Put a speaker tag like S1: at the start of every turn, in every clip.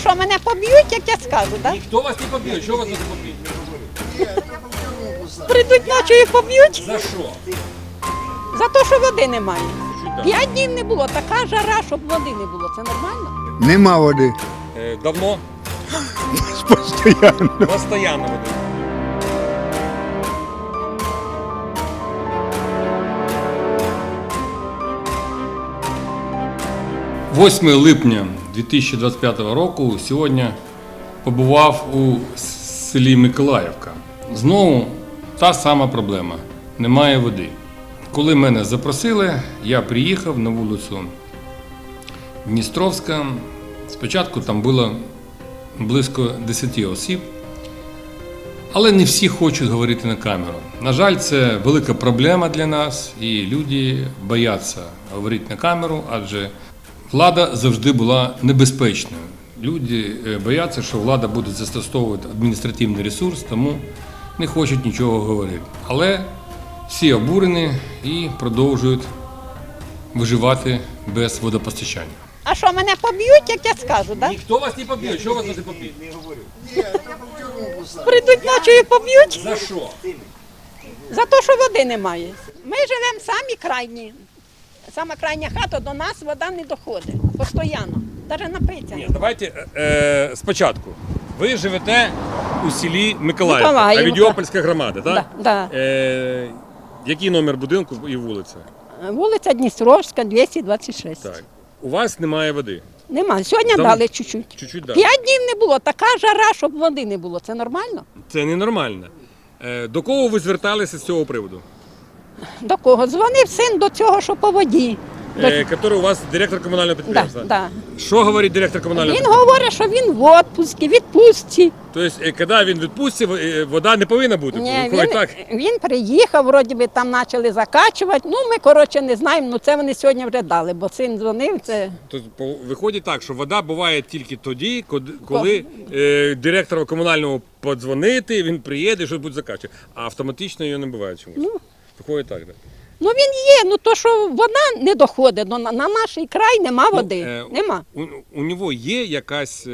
S1: що, мене поб'ють, як я скажу, так?
S2: Ніхто вас не поб'є, що вас не поб'є?
S1: Прийдуть ночі і поб'ють
S2: За що?
S1: за те, що води немає.
S2: Чуть так.
S1: 5 днів не було, така жара, щоб води не було. Це нормально?
S3: Нема води.
S2: Давно?
S3: Постоянно.
S2: Постоянно води. «8 липня 2025 року сьогодні побував у селі Миколаївка. Знову та сама проблема – немає води. Коли мене запросили, я приїхав на вулицю Дністровська. Спочатку там було близько 10 осіб, але не всі хочуть говорити на камеру. На жаль, це велика проблема для нас, і люди бояться говорити на камеру, адже влада завжди була небезпечною. Люди бояться, що влада буде застосовувати адміністративний ресурс, тому не хочуть нічого говорити. Але всі обурені і продовжують виживати без водопостачання.
S1: А що, мене поб'ють, як я скажу, так?
S2: Ніхто вас не поб'є, що вас не поб'є?
S1: Прийдуть ночі і поб'ють
S2: За що?
S1: за те, що води немає. Ми живемо самі крайні. Сама крайня хата, до нас вода не доходить. Постійно. Навіть напитися.
S2: Ні, давайте спочатку. Ви живете у селі Миколаївка,
S1: Миколаївка.
S2: Авідіопольська громада, так?
S1: Да.
S2: Який номер будинку і вулиця?
S1: Вулиця Дністровська, 226.
S2: Так. У вас немає води.
S1: Нема. Сьогодні
S2: Дам-
S1: дали чуть-чуть.
S2: Чуть-чуть далі.
S1: 5 днів не було. Така жара, щоб води не було. Це нормально?
S2: Це ненормально. До кого ви зверталися з цього приводу?
S1: До кого? Дзвонив син до цього, що по воді.
S2: Який у вас директор комунального підприємства?
S1: Да.
S2: Що говорить директор комунального
S1: Він
S2: підприємства?
S1: говорить, що він в відпустці, відпустці.
S2: Тобто, коли він відпустці, вода не повинна бути?
S1: Ні,
S2: Виходить так?
S1: він приїхав, вроді би там почали закачувати. Ну, ми, коротше, не знаємо, ну це вони сьогодні вже дали, бо син дзвонив, це...
S2: Тобто, виходить так, що вода буває тільки тоді, коли директору комунального подзвонити, він приїде, щось буде закачувати. А автоматично її не буває чомусь. Виходить так, так?
S1: Ну він є, ну то, що вода не доходить, на наш край нема води, нема.
S2: У нього є якась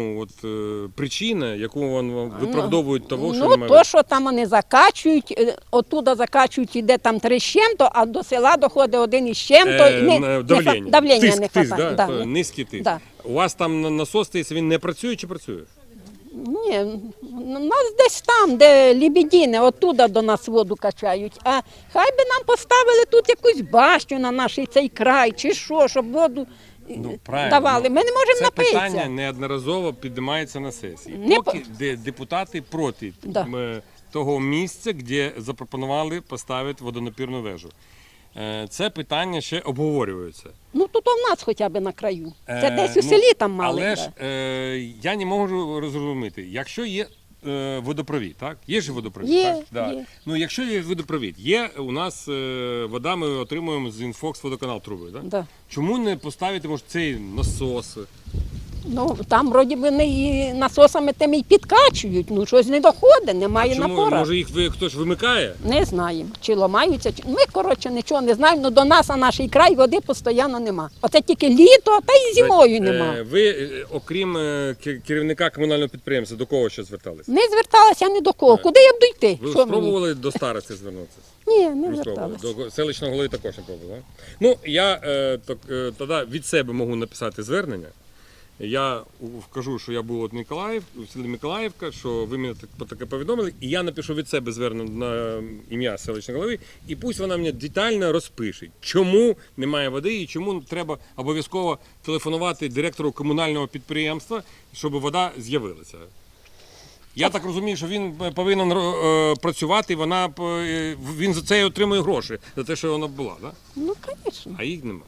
S2: причина, яку він виправдовує того, що
S1: Ну,
S2: немає
S1: то,
S2: води?
S1: що там вони закачують, оттуда закачують, іде там 3 з чим-то, а до села доходить 1 із чим-то.
S2: Давлення.
S1: Давлення
S2: Тиск,
S1: не
S2: тиск,
S1: хватає.
S2: да?
S1: Да.
S2: Низький тиск.
S1: Да.
S2: У вас там насос стоїть, він не працює чи працює?
S1: Ні, у нас десь там, де Лебедіни, оттуда до нас воду качають. А хай би нам поставили тут якусь башню на наш цей край, чи що, щоб воду давали. Ми не можемо
S2: Це
S1: напитися.
S2: питання неодноразово піднімається на сесії.
S1: Не
S2: Поки депутати проти
S1: Да.
S2: того місця, де запропонували поставити водонапірну вежу. Це питання ще обговорюється.
S1: Ну тут у нас хоча б на краю. Це десь у селі там мали.
S2: Але ж я не можу розуміти, якщо є водопровід, так? Є ж водопровід,
S1: Є,
S2: так? Да.
S1: є.
S2: Ну, якщо є водопровід, є у нас вода, ми отримуємо з Інфокс водоканал труби, так?
S1: Да.
S2: Чому не поставити, може, цей насос?
S1: Ну там вроді би не і насосами тими й підкачують, ну щось не доходить, немає
S2: Чому?
S1: напора.
S2: Може їх хтось вимикає?
S1: Не знаємо, чи ламаються, чи... Ми, коротше, нічого не знаємо, але до нас, а наш край, води постійно нема. Оце тільки літо, та й зимою нема.
S2: Ви, окрім керівника комунального підприємства, до кого ще зверталися?
S1: Не зверталася ні до кого. Куди я б дійти?
S2: Ви
S1: Що мені?
S2: спробували до старості звернутися?
S1: Ні, не
S2: Не
S1: зверталася.
S2: спробували. До селищного голови також не пробували? Ну, я тоді від себе можу написати звернення. Я вкажу, що я був у селі Миколаївка, що ви мене таке повідомили, і я напишу від себе звернення на ім'я селищного голови, і пусть вона мені детально розпише, чому немає води і чому треба обов'язково телефонувати директору комунального підприємства, щоб вода з'явилася. Я так розумію, що він повинен працювати, він за це і отримує гроші, за те, що вона була, так?
S1: Ну, звісно.
S2: А їх немає.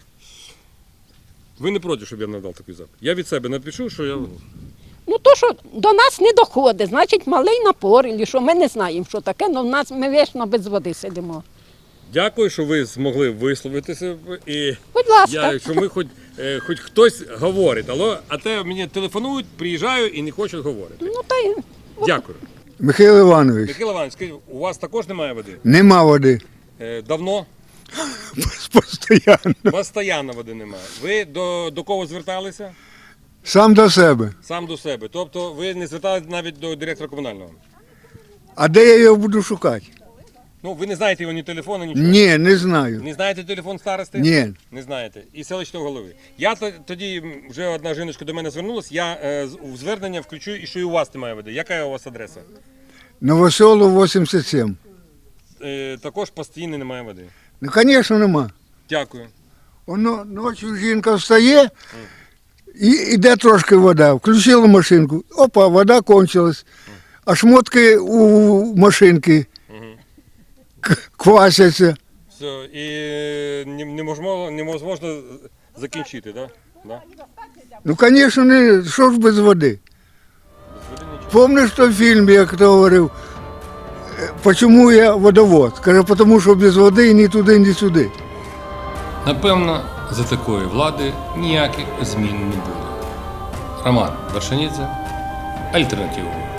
S2: Ви не проти, щоб я надав такий запит? Я від себе напишу, що я...
S1: Ну, то, що до нас не доходить, значить малий напор, і що ми не знаємо, що таке, але в нас ми вічно без води сидимо.
S2: Дякую, що ви змогли висловитися. І
S1: Будь ласка.
S2: що ми хоч хтось говорить. А те мені телефонують, приїжджаю і не хочуть говорити.
S1: Ну, та й...
S2: Дякую.
S3: Михайло Іванович,
S2: Михайло Іванович, скажіть, у вас також немає води?
S3: нема води.
S2: Давно?
S3: Постоянно.
S2: Постоянно води немає. Ви до кого зверталися?
S3: Сам до себе.
S2: Сам до себе. Тобто ви не зверталися навіть до директора комунального?
S3: А де я його буду шукати?
S2: Ну, ви не знаєте його ні телефону, нічого?
S3: Ні, не знаю.
S2: Не знаєте телефон старости?
S3: Ні.
S2: Не знаєте. І селищного голови. Я тоді, вже одна жіночка до мене звернулась, я в звернення включу, і що і у вас немає води. Яка у вас адреса?
S3: Новоселу 87.
S2: Також постійно немає води.
S3: Ну, звісно, нема.
S2: Дякую.
S3: Воно ночі жінка встає і йде трошки вода. Включила машинку. Опа, вода кончилась. А шмотки у машинки квасяться.
S2: Все, і неможливо закінчити, так? Да?
S3: Ну, звісно, не, що ж без води?
S2: Без води нічого.
S3: Помниш той фільм, як хто говорив, «Почему я водовод?» Каже, тому що без води ні туди, ні сюди.
S2: Напевно, за такої влади ніяких змін не буде. Роман Вершинідзе, Альтернатива.